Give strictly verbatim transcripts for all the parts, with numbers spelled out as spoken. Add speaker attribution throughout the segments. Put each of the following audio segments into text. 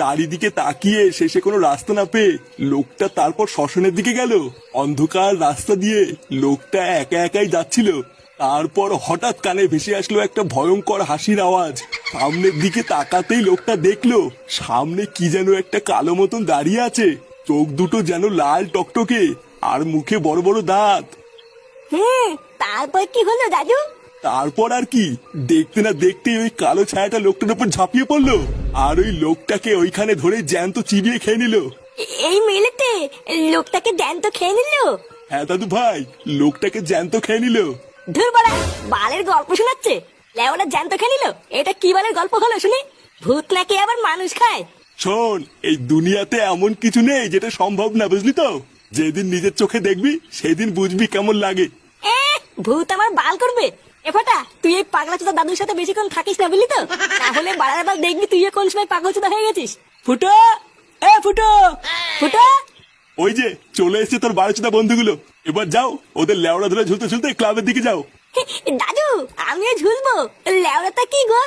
Speaker 1: চারিদিকে তাকিয়ে শেষে কোনো রাস্তা না পেয়ে লোকটা তারপর শ্মশানের দিকে গেল। অন্ধকার রাস্তা দিয়ে লোকটা একা একাই যাচ্ছিল। তারপর হঠাৎ কানে ভেসে আসলো একটা ভয়ঙ্কর হাসির আওয়াজ। সামনের দিকে তাকাতেই লোকটা দেখলো সামনে কি যেন একটা কালো মতন দাঁড়িয়ে আছে। চোখ দুটো যেন লাল টকটকে, আর মুখে বড় বড় দাঁত।
Speaker 2: হুম, তারপর কি হলো দাদু?
Speaker 1: তারপর আর কি, দেখতে না দেখতেই ওই কালো ছায়াটা লোকটার উপর ঝাঁপিয়ে পড়লো, আর ওই লোকটাকে ওইখানে ধরে জ্যান্ত চিবিয়ে খেয়ে নিল।
Speaker 2: এ- এই মেলেতে লোকটাকে জ্যান্ত খেয়ে নিল?
Speaker 1: হ্যাঁ দাদু ভাই, লোকটাকে জ্যান্ত খেয়ে নিল।
Speaker 2: ধুর বাড়া, বালের গল্প শোনাচ্ছে। লেওরা জ্যান্ত খেয়ে নিল? এটা কি বালের গল্প হলো শুনি? ভূত নাকি আবার মানুষ খায়?
Speaker 1: শোন, এই দুনিয়াতে এমন কিছু নেই যেটা সম্ভব না, বুঝলি তো? যেদিন নিজের চোখে দেখবি সেদিন বুঝবি কেমন লাগে।
Speaker 2: এ, ভূত আমার বাল করবে? এ ফাটা, তুই এই পাগলা চোদা দাদুর সাথে বেশিক্ষণ থাকিস না, বুঝলি তো? তাহলে বাড়ার বার দেখবি তুই কোন সময় পাগল চোদা হয়ে গেছিস। ফুটো, এ ফুটো, ফুটো।
Speaker 1: ওই যে চলে এসেছে তোর বারোচোদা বন্ধুগুলো। এবার যাও, ওদের লেওড়া ধরে ঝুলতে ঝুলতে ক্লাবের দিকে যাও।
Speaker 2: দাদু, আমিও ঝুলবো? লেওড়াটা কি গো?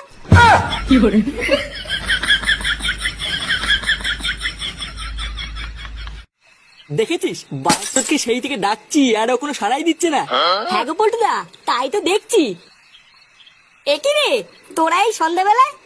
Speaker 3: দেখেছিস বাস্তবকে সেই থেকে ডাকছি আর ও কোনো সাড়াই দিচ্ছে না।
Speaker 2: হ্যাঁ গো পল্টুদা, তাই তো দেখছি। এ কি রে, তোরা এই সন্ধ্যাবেলায়?